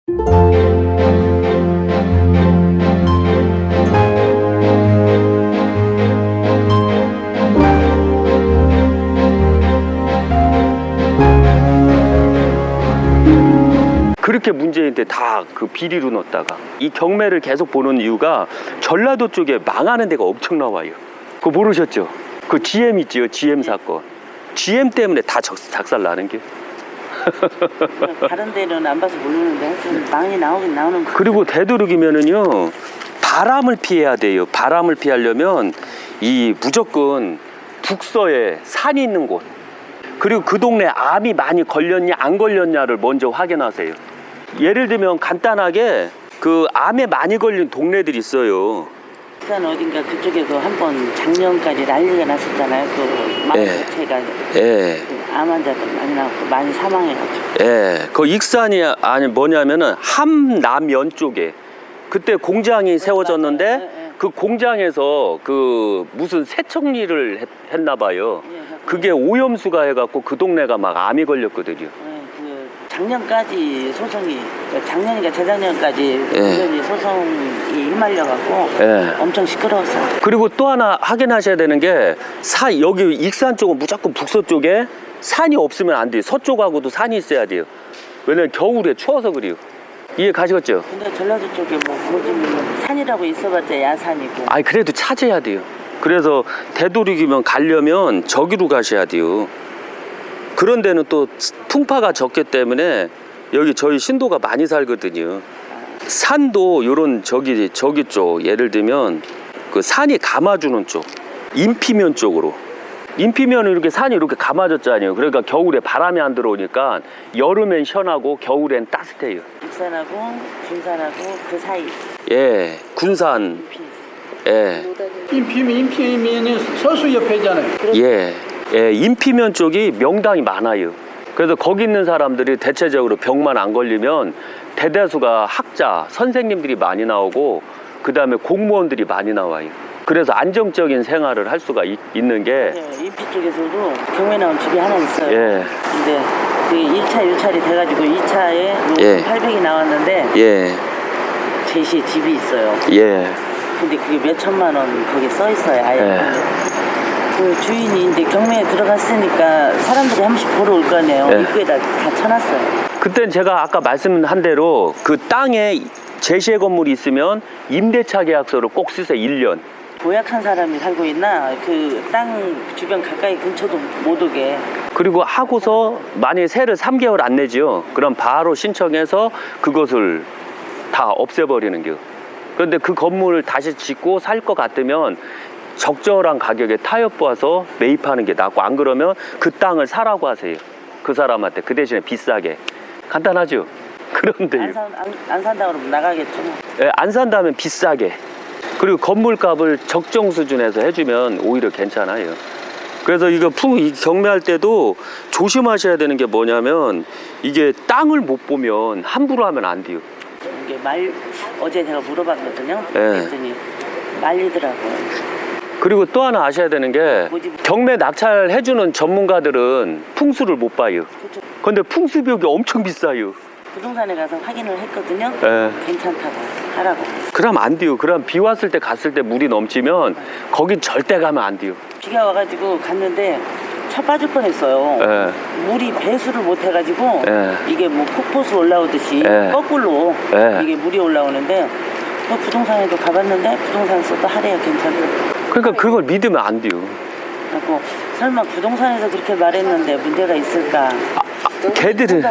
그렇게 문제인데 다 그 비리로 넣었다가 이 경매를 계속 보는 이유가 전라도 쪽에 망하는 데가 엄청 나와요. 그거 모르셨죠? 그 GM 있지요, GM 사건. GM 때문에 다 작살 나는 게. 다른 데는 안 봐서 모르는데 하여튼 많이 나오긴 나오는 거. 그리고 되도록이면은요 바람을 피해야 돼요. 바람을 피하려면 이 무조건 북서에 산이 있는 곳, 그리고 그 동네 암이 많이 걸렸냐 안 걸렸냐를 먼저 확인하세요. 예를 들면 간단하게 그 암에 많이 걸린 동네들이 있어요. 부산 어딘가 그쪽에서 한번 작년까지 난리가 났었잖아요. 그 마을 자체가 예. 그 암 환자들 많이 나왔고 많이 사망해가지고. 예. 그 익산이 아니 뭐냐면은 함남면 쪽에 그때 공장이 세워졌는데 그 공장에서 그 무슨 세척일을 했나 봐요. 그게 오염수가 해갖고 그 동네가 막 암이 걸렸거든요. 그 작년까지 소송이, 작년인가 재작년까지 완전히 소송이 일말려갖고 엄청 시끄러웠어요. 그리고 또 하나 확인하셔야 되는 게 여기 익산 쪽은 무조건 북서 쪽에 산이 없으면 안 돼요. 서쪽하고도 산이 있어야 돼요. 왜냐면 겨울에 추워서 그래요. 이해 가시겠죠? 근데 전라도 쪽에 뭐 요즘 산이라고 있어봤자 야산이고. 아니 그래도 찾아야 돼요. 그래서 되도록이면 가려면 저기로 가셔야 돼요. 그런 데는 또 풍파가 적기 때문에 여기 저희 신도가 많이 살거든요. 산도 요런 저기 쪽 예를 들면 그 산이 감아주는 쪽 인피면 쪽으로, 인피면은 이렇게 산이 이렇게 감아졌잖아요. 그러니까 겨울에 바람이 안 들어오니까 여름엔 시원하고 겨울엔 따뜻해요. 익산하고 군산하고 그 사이. 예, 군산. 예. 인피면이 서수 옆에잖아요. 예. 예, 인피면 쪽이 명당이 많아요. 그래서 거기 있는 사람들이 대체적으로 병만 안 걸리면 대다수가 학자, 선생님들이 많이 나오고 그 다음에 공무원들이 많이 나와요. 그래서 안정적인 생활을 할 수가 있는 게 인피 쪽에서도 경매 나온 집이 하나 있어요. 예. 근데 그 1차 유찰이 돼가지고 2차에 800이 나왔는데 제시에 집이 있어요. 예. 근데 그게 몇 천만 원 거기에 써 있어요. 아예. 그 주인이 이제 경매에 들어갔으니까 사람들이 한 번씩 보러 올 거 아니에요. 입구에다 다 쳐놨어요. 그땐 제가 아까 말씀한 대로 그 땅에 제시의 건물이 있으면 임대차 계약서를 꼭 쓰세요. 1년. 고약한 사람이 살고 있나 그 땅 주변 가까이 근처도 못 오게. 그리고 하고서 만약에 세를 3개월 안 내죠. 그럼 바로 신청해서 그것을 다 없애버리는 겨. 그런데 그 건물을 다시 짓고 살 것 같으면 적절한 가격에 타협 봐서 매입하는 게 낫고, 안 그러면 그 땅을 사라고 하세요. 그 사람한테 그 대신에 비싸게. 간단하죠? 그런데 안 산다 그러면 나가겠죠. 예, 안 산다면 비싸게. 그리고 건물값을 적정 수준에서 해주면 오히려 괜찮아요. 그래서 이거 이 경매할 때도 조심하셔야 되는 게 뭐냐면 이게 땅을 못 보면 함부로 하면 안 돼요. 이게 어제 제가 물어봤거든요. 그랬더니 말리더라고요. 그리고 또 하나 아셔야 되는 게 경매 낙찰 해주는 전문가들은 풍수를 못 봐요. 근데 풍수 비용이 엄청 비싸요. 부동산에 가서 확인을 했거든요. 예. 괜찮다고 하라고. 그럼 안 돼요. 그럼 비 왔을 때 갔을 때 물이 넘치면 거긴 절대 가면 안 돼요. 비가 와가지고 갔는데 차 빠질 뻔했어요. 물이 배수를 못 해가지고 이게 뭐 폭포수 올라오듯이 거꾸로 이게 물이 올라오는데 또 부동산에도 가봤는데 부동산에서도 하래요. 괜찮다고. 그러니까 그걸 믿으면 안 돼요. 그리고 설마 부동산에서 그렇게 말했는데 문제가 있을까? 걔들은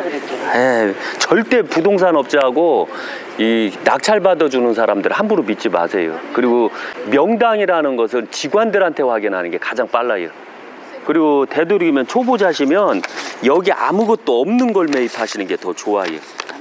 절대 부동산 업자하고 이 낙찰 받아주는 사람들 함부로 믿지 마세요. 그리고 명당이라는 것은 직원들한테 확인하는 게 가장 빨라요. 그리고 되도록이면 초보자시면 여기 아무것도 없는 걸 매입하시는 게 더 좋아요.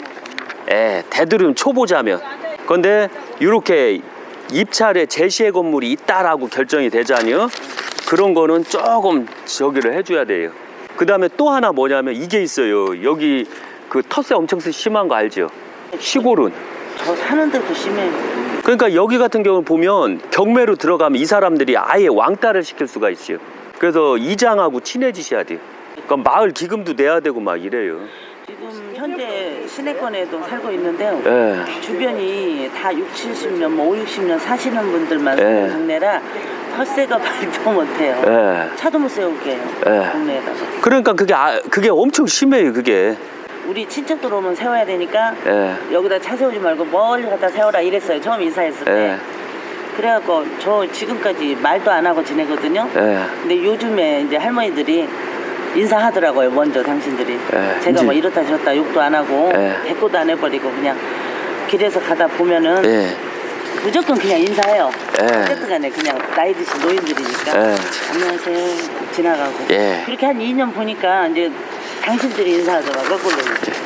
되도록이면 초보자면. 근데 이렇게 입찰에 제시의 건물이 있다라고 결정이 되자니요, 그런 거는 조금 저기를 해줘야 돼요. 그 다음에 또 하나 뭐냐면 이게 있어요. 여기 그 텃세 엄청 심한 거 알죠? 시골은. 저 사는 데도 심해요. 그러니까 여기 같은 경우는 보면 경매로 들어가면 이 사람들이 아예 왕따를 시킬 수가 있어요. 그래서 이장하고 친해지셔야 돼요. 그러니까 마을 기금도 내야 되고 막 이래요. 지금 현재 시내권에도 살고 있는데요. 예. 주변이 다 60, 70년, 뭐 5, 60년 사시는 분들만 예. 사는 동네라 텃세가 말도 못해요. 예. 차도 못 세우게 해요. 예. 동네에다가. 그러니까 그게 엄청 심해요, 그게. 우리 친척들 오면 세워야 되니까 예. 여기다 차 세우지 말고 멀리 갖다 세워라 이랬어요. 처음 인사했을 때. 예. 그래갖고 저 지금까지 말도 안 하고 지내거든요. 예. 근데 요즘에 이제 할머니들이 인사하더라고요. 먼저 당신들이. 예. 제가 뭐 이렇다 저렇다 욕도 안 하고 예. 대꾸도 안 해버리고 그냥 길에서 가다 보면은 예. 무조건 그냥 인사해요. 예. 어쨌든 간에 그냥 나이 드신 노인들이니까 예. 안녕하세요 지나가고 예. 그렇게 한 2년 보니까 이제 당신들이 인사하더라고요. 거꾸로.